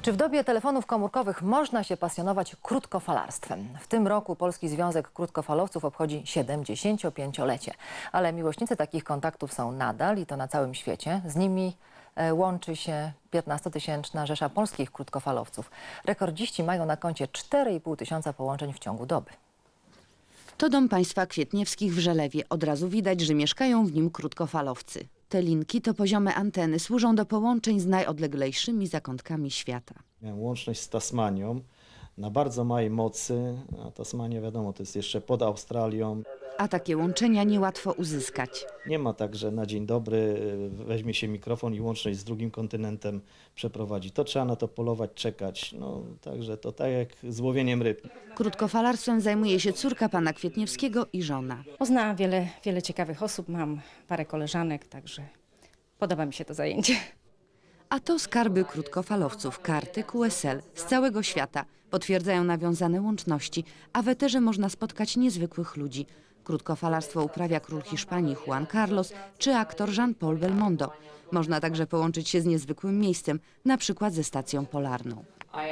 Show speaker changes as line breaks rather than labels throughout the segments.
Czy w dobie telefonów komórkowych można się pasjonować krótkofalarstwem? W tym roku Polski Związek Krótkofalowców obchodzi 75-lecie. Ale miłośnicy takich kontaktów są nadal i to na całym świecie. Z nimi łączy się 15-tysięczna rzesza polskich krótkofalowców. Rekordziści mają na koncie 4,5 tysiąca połączeń w ciągu doby.
To dom państwa Kwietniewskich w Żelewie. Od razu widać, że mieszkają w nim krótkofalowcy. Te linki to poziome anteny, służą do połączeń z najodleglejszymi zakątkami świata.
Miałem łączność z Tasmanią na bardzo małej mocy, a Tasmania wiadomo to jest jeszcze pod Australią.
A takie łączenia niełatwo uzyskać.
Nie ma tak, że na dzień dobry weźmie się mikrofon i łączność z drugim kontynentem przeprowadzi. To trzeba na to polować, czekać. No, także to tak jak z łowieniem ryb.
Krótkofalarstwem zajmuje się córka pana Kwietniewskiego i żona.
Poznałam wiele ciekawych osób, mam parę koleżanek, także podoba mi się to zajęcie.
A to skarby krótkofalowców, karty QSL z całego świata. Potwierdzają nawiązane łączności, a w eterze można spotkać niezwykłych ludzi. Krótkofalarstwo uprawia król Hiszpanii Juan Carlos czy aktor Jean-Paul Belmondo. Można także połączyć się z niezwykłym miejscem, na przykład ze stacją polarną.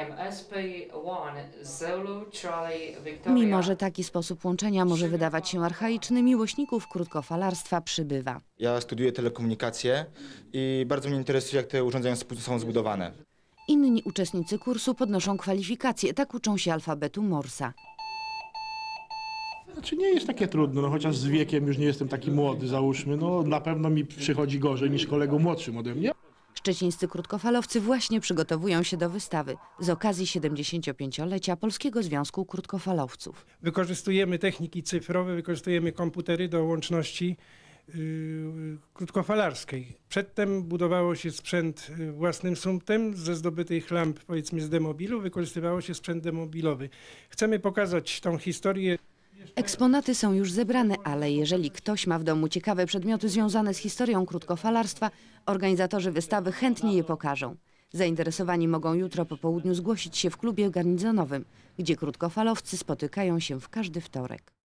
Mimo że taki sposób łączenia może wydawać się archaiczny, miłośników krótkofalarstwa przybywa.
Ja studiuję telekomunikację i bardzo mnie interesuje, jak te urządzenia są zbudowane.
Inni uczestnicy kursu podnoszą kwalifikacje, tak uczą się alfabetu Morsa.
Znaczy nie jest takie trudno, no chociaż z wiekiem już nie jestem taki młody, załóżmy, no na pewno mi przychodzi gorzej niż kolegom młodszym ode mnie.
Szczecińscy krótkofalowcy właśnie przygotowują się do wystawy z okazji 75-lecia Polskiego Związku Krótkofalowców.
Wykorzystujemy techniki cyfrowe, wykorzystujemy komputery do łączności krótkofalarskiej. Przedtem budowało się sprzęt własnym sumptem ze zdobytych lamp, powiedzmy z demobilu, wykorzystywało się sprzęt demobilowy. Chcemy pokazać tą historię.
Eksponaty są już zebrane, ale jeżeli ktoś ma w domu ciekawe przedmioty związane z historią krótkofalarstwa, organizatorzy wystawy chętnie je pokażą. Zainteresowani mogą jutro po południu zgłosić się w klubie garnizonowym, gdzie krótkofalowcy spotykają się w każdy wtorek.